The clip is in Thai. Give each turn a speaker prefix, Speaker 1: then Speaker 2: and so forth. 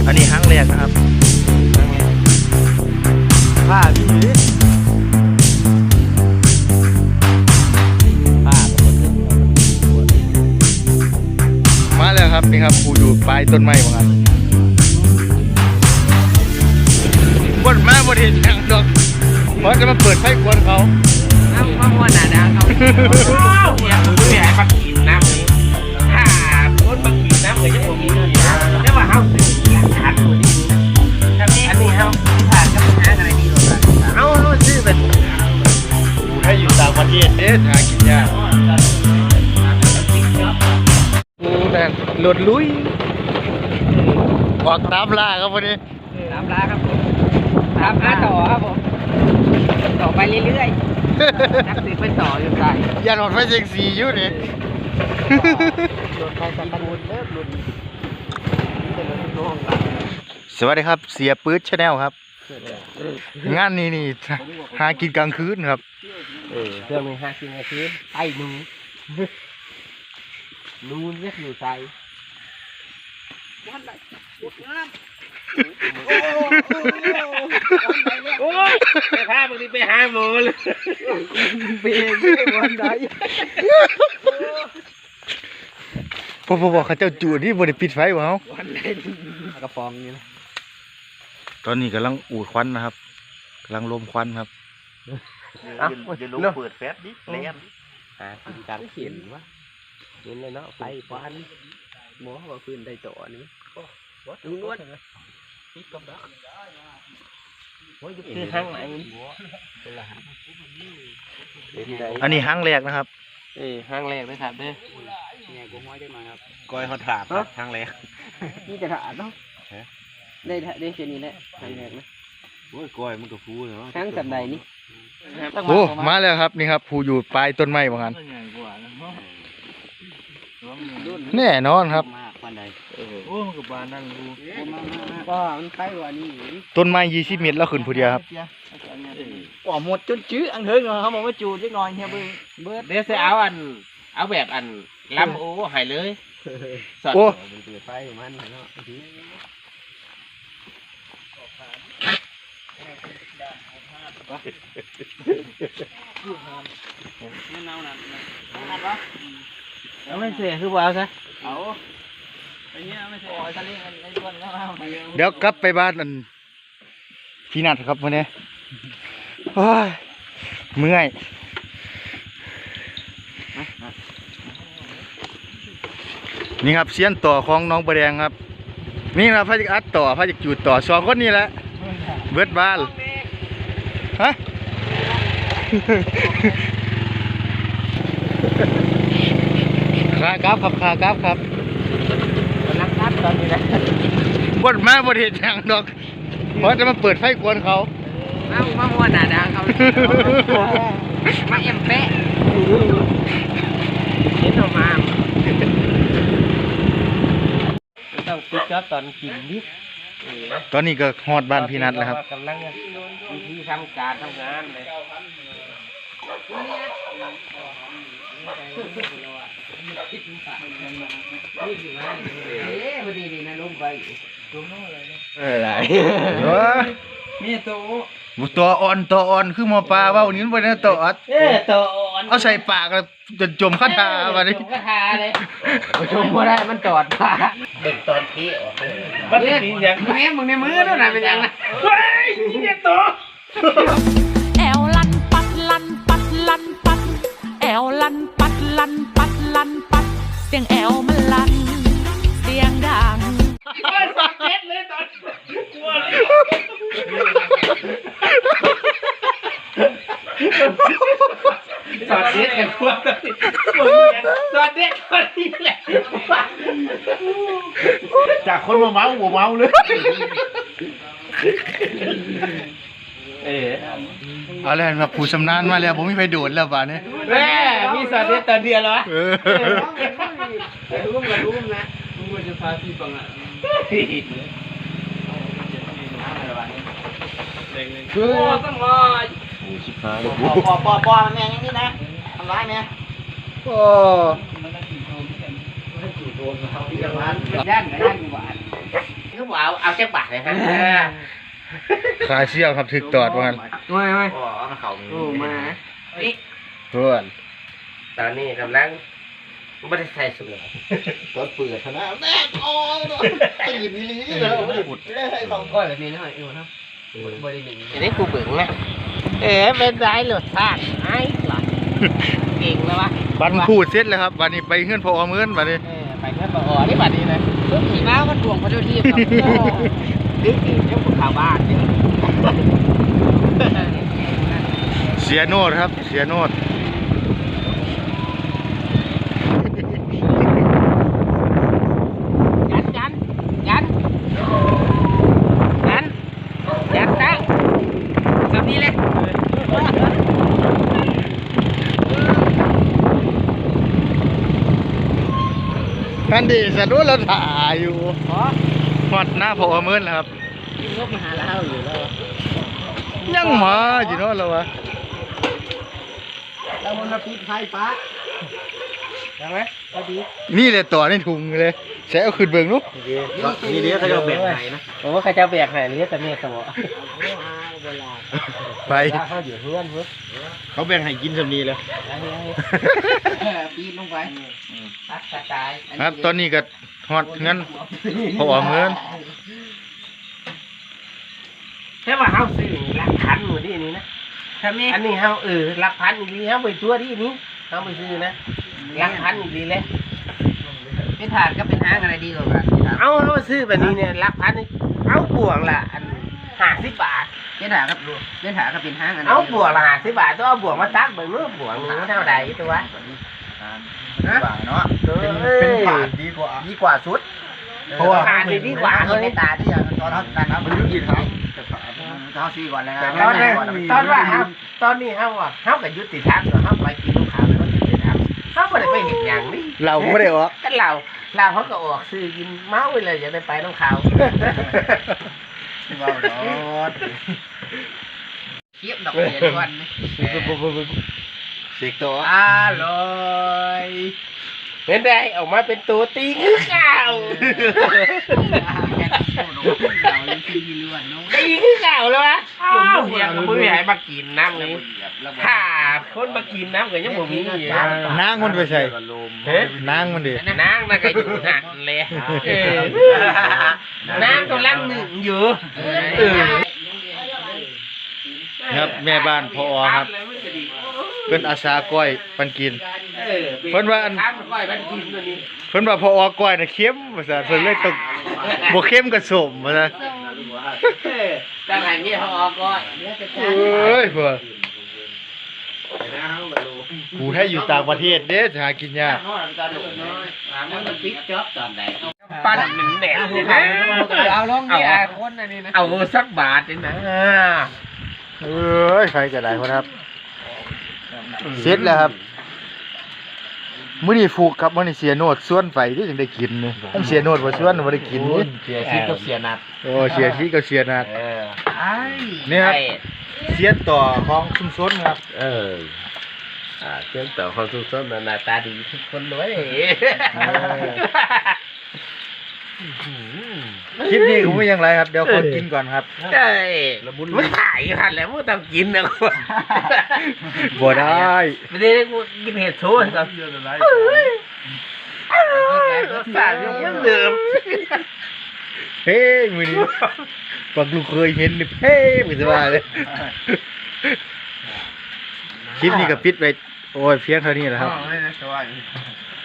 Speaker 1: อันนี้ครั้งแรกนะครับผ้าพี่มาแล้วครับนี่ครับกูอยู่ปลายต้นไม้เหมือนกันบนมาบนเห็นอย่างดอกเพราะจะมาเปิดไฟกวนเขา
Speaker 2: น้ำข้าวหนาดาเขาเนี่ยมึงไม่ให้ปักกินน้ำถ้าคนปักกินน้ำเลยจะผมมีเลยนะแต่ว่าเขาหลักฐานตัวนี้อันนี้เขาผ่านกับหาอะไรดีหรอเอาซื้อเป็น
Speaker 1: ให้อยู่ต่างประเทศหากินยากแต่หลุดลุยออกตามล่าครับวันนี้
Speaker 2: ตามล่าครับผมตามล่าต่อครับผมต่อไปเรื่อยๆนักสืบไปต่ออยู่ใต้
Speaker 1: ยันหมดไฟเซ็กซี่อยู่นี่
Speaker 2: โดนเขาจะบูดเลิกหลุด
Speaker 1: สวัสดีครับเสียปื๊ดชาแนลครับงานนี้หากินกลางคืนครับ
Speaker 2: เรื่องนี้หากินกลางคืนไอ้นูเรียกอยู่ใต้โอ้ยไปพาบางทีไปหาหมอเลยเบนวันใด
Speaker 1: พอบอกเขาเจ้าจูดที่บริปิดไฟวะเขา
Speaker 2: วันใดกระฟองนี่นะ
Speaker 1: ตอนนี้กำลังอูดควันนะครับกำลังลมควันครับ
Speaker 2: จะลงเปิดแฟสดิเล่นการเขียนวะเห็นเลยเนาะไฟควันหมอว่าคืนได้ต่อนี้ดูนวดคือห้างไหน
Speaker 1: อันนี้ห้างแรกนะครับ
Speaker 2: ห้างแรกนะครับเด้อเนี่ยกูม้อยได้มาครับ
Speaker 1: ก้อยเขาถาดห้างแรก
Speaker 2: นี่จะถาดเนาะได้เช่นนี้แหละห้างแรกนะ
Speaker 1: โอ้ยก้อยมันก็ฟูเนาะ
Speaker 2: ห้างสัปดาห์นี้
Speaker 1: โอ้มาแล้วครับนี่ครับผู้อยู่ปลายต้นไม้เหมือนกันแน่นอนครับ
Speaker 2: โอ้มันกับบานนั่นรู้ก็มันไปกว่านี้
Speaker 1: ต้นไม้20 เมตรแล้วขึ้นผู้เดียวครับ
Speaker 2: อ๋อหมดจนจื้ออันเถิงเขาบอกว่าจูดเล็กน้อยเฮียเบิร์ดเดี๋ยวจะเอาแบบลำโอ้หายเลย
Speaker 1: โอ้
Speaker 2: ไฟมันเนาะไม่เน่าหนักแล้วไม่เสียคือว่าซะเอาไอ้เนี้ยไม่เสียทะเลไอ้ต้นก็
Speaker 1: เดี๋ยวกลับไปบ้านพี่นัทครับวันนี้เมื่อยนี่ครับเสี้ยนต่อของน้องประแดงครับนี่นะพระจักอัดต่อพระจักจูดต่อ2 คนนี่แหละเบิดบ้านฮะขากราฟครับขากราฟครับ
Speaker 2: รักนัดตอนนี้นะ
Speaker 1: บนมาบนเห็นอย่างดอกเพราะจะมาเปิดไฟกวนเขา
Speaker 2: มาม้วนหนาดาเขามาเอ็มเป๊ะเห็นออกมาต้องปิดครับตอนกินดิ
Speaker 1: ตอนนี้ก็ฮอดบ้านพี่นัทแล้วครับ
Speaker 2: กำลังวิธีทำการทำงานเลยพอดีนะลงไป
Speaker 1: อะไร
Speaker 2: มี
Speaker 1: ตัวอ่อนคือหมอปลาว่าวันนี้วันนี้ตัวอ่อนเอาใส่ปากแล้วจนจมคาถาวันนี้
Speaker 2: จมคาถาเลยจมไม่ได้มันจอดปากเด็กตอนที่มันเป็นอย่างแม่มึงในมือแล้วนะเป็นยังไงเฮ้ยเนี่ยตัว
Speaker 3: แอวลันปัดลันปัดลันปัดแอวลันปัดลันปัดลันปัดเสียงแอวมันลันเสียงดัง
Speaker 2: สักเม็ดเลยตอนกลัวเลยสอดเด็ดกันกลัวสอดเด็ดคนนี้แหละ
Speaker 1: จากคนมาเมาหัวเมาเลยเอาแล้วมาผู้ชำนาญมาแล้วผมไม่ไปโดดแล้วบ้านนี้
Speaker 2: แม่มีสอดเด็ดตอนเดียวเหรอรู้นะมึงควรจะพาพี่ฟังอ่ะคือต้องรอปอแม่ยังนี่นะทำร้ายแม่
Speaker 1: โอ้
Speaker 2: ย่านหวานเขาบอกเอาแจ็คบาทเลยครับ
Speaker 1: ขาเชี่ยวครับถึกตอดว่างั้น
Speaker 2: ไม่อ๋อเขามานี่
Speaker 1: เพื่อน
Speaker 2: ตอนนี้กำลังไม่ได้ใส่สุดเลย
Speaker 1: ตอนเปิดธนาแม่อตื่นนี้แล้วไม่ได้บุดให้สองก้อนแบบนี้นะไอ้หัวนะบริหนึ่ง
Speaker 2: อันนี้กูเบิ่งนะเป็นไรหลุดพลาดไอ้หลังเก่งแล้ววะ
Speaker 1: บันคู่เสร็จแล้วครับวันนี้ไปเฮือนพอมื้อนวันนี้
Speaker 2: ไปแค่ปอนี่บัดนี้เลยลูกขี่ม้าก็ทวงพระเจ้าที่ครับดึกเจ้าข่าวบ้านนี่
Speaker 1: เสียโนดครับเสียโนด
Speaker 2: ยันซะแบบนี้เลย
Speaker 1: อันดีสะดุดเราถ่ายอยู่ฮอดหน้าพอมื้อนแล้วครับ
Speaker 2: กินลูกมาหาแล้วอยู่แล้ว
Speaker 1: ยังมาอยู่เนาะเราวะ
Speaker 2: แล้วมันมาปิดไฟฟ้าใช่ไหมพอดี
Speaker 1: นี่เลยต่อในถุงเลยใช้เอาขึ้นเบิ่งลูก
Speaker 2: นี่เดี๋ยวเขาจะแบกไหนนะผมว่าเขาจะแบกไหนนี่แต่เนี่ยสมอเวลา
Speaker 1: ไป
Speaker 2: เขาอยู่เพื่อนเพื่อน
Speaker 1: เขาแบ่งให้กินสำนีเลย
Speaker 2: ปีนลงไปตัดกระจาย
Speaker 1: ครับตอนนี้ก็ฮอดเงินพอมื้อน
Speaker 2: แค่ว่าเขาซื้อหลักพันหมดที่นี่นะอันนี้เขาหลักพันอีกทีเขาไปตัวที่นี้เขาไปซื้อนะหลักพันอีกทีเลย
Speaker 4: เป็นถาดก็เป็นห้างอะไรดีกว่ากัน
Speaker 2: เอาเขาซื้อแบบนี้เนี่ยหลักพันเอาบวกละอัน50 บาท
Speaker 4: เป็นถาดก็เป็นถาดก็เป็นห้างอะไร
Speaker 2: เอาบวกละ50 บาทต้องเอาบวกมาตักเบิ่งเมื่อบวกหนึ่งเท่าใดตัว
Speaker 1: บาทเนาะ
Speaker 2: เป็นบาท
Speaker 1: ดีกว่าสุด
Speaker 2: เพราะว่าบาทดีกว่า
Speaker 4: เขา
Speaker 2: เลย
Speaker 4: ในตาที่อย่างตอนนั้นนะมันยืดครับเขาซีก่อนเลยนะ
Speaker 2: ตอนว่าตอนนี้เขาว่าเขากับยุติธรรมเหรอเขาไปกินลูกค้าแล้วก็ยุติธรรมเขาไม่ได้ไปเห็นอย่างนี้
Speaker 1: เราไม่ได้ออก
Speaker 2: ก็เราเขาก็ออกซื้อกินเมาไปเลยอย่าได้ไปน้องเขา
Speaker 4: ว้าวดอดเทียบดอกเบี้ยทุกวัน
Speaker 1: เสกตัว
Speaker 4: อร่อย
Speaker 2: เห็นได้ออกมาเป็นตัวตีคือเก่าตีคือเก่าเลยวะลุงเพียงมือใหญ่มากินน้ำเลยถ้าคนมากินน้ำก็ยังบ่มีอยู่
Speaker 1: นางมันไปใส่
Speaker 2: เฮ้ย
Speaker 1: นางมันดิ
Speaker 2: นางน่ะก็อยู่หันเลยนางกำลังหนึ่งอยู่
Speaker 1: ครับแม่บ้านพอครับเป็นอาสาก้อยปันกิน เพิ่นว่าอัน
Speaker 2: ทำก้อยมันกินตัวนี้
Speaker 1: เพิ่นว่าพอก้อยน่ะเค็มว่าซั่นเพิ่นเลยต้องบ่เค็มก็สมว่าซั่น
Speaker 2: ตั้งแต่นี้เขาออกก้อย
Speaker 1: เอ้ยเพิ่นกูให้อยู่ต่างประเทศเด้จะหากินยาก
Speaker 2: มันปิดจ็อบตอนไหนปั้นมันแหนมเลยนะ
Speaker 4: เอาลงนี่คนอันนี้นะ
Speaker 2: เอาสักบาทเองนะ
Speaker 1: เอ้ยใครก็ได้คนครับเสร็จแล้วครับมื้อนี้ฟูกครับมื้อนี้เสียโนดส่วนไปที่จังได้กินนี่ถ้าเสียโนดบ่ส่วนบ่ได้กินนี่
Speaker 2: เสียชีวิตกับเสียนัด
Speaker 1: โอ้เสียชีกับเสียนัด
Speaker 4: ไอ้
Speaker 1: นี่ครับเสียต่อของชุมชนครับ
Speaker 2: เชื่อมต่อความสุขสมหน้าตาดีทุกคนเลย
Speaker 1: คลิปนี้ผมไม่ยังไรครับเดี๋ยวขอกินก่อนครับ
Speaker 2: ใช่มันถ่ายหันแล้วมันต้องกินนะกู
Speaker 1: บ่ได้
Speaker 2: ไม่ได้กูกินเห็ดโชว์ครับสารยังเดิม
Speaker 1: เฮ้ยมื้อนี้ปักลูกเคยเห็นนี่เฮ้ยไม่สบายเลยคลิปนี้ก็ปิดไปโอ้ยเพียงเท่านี้แหละครับ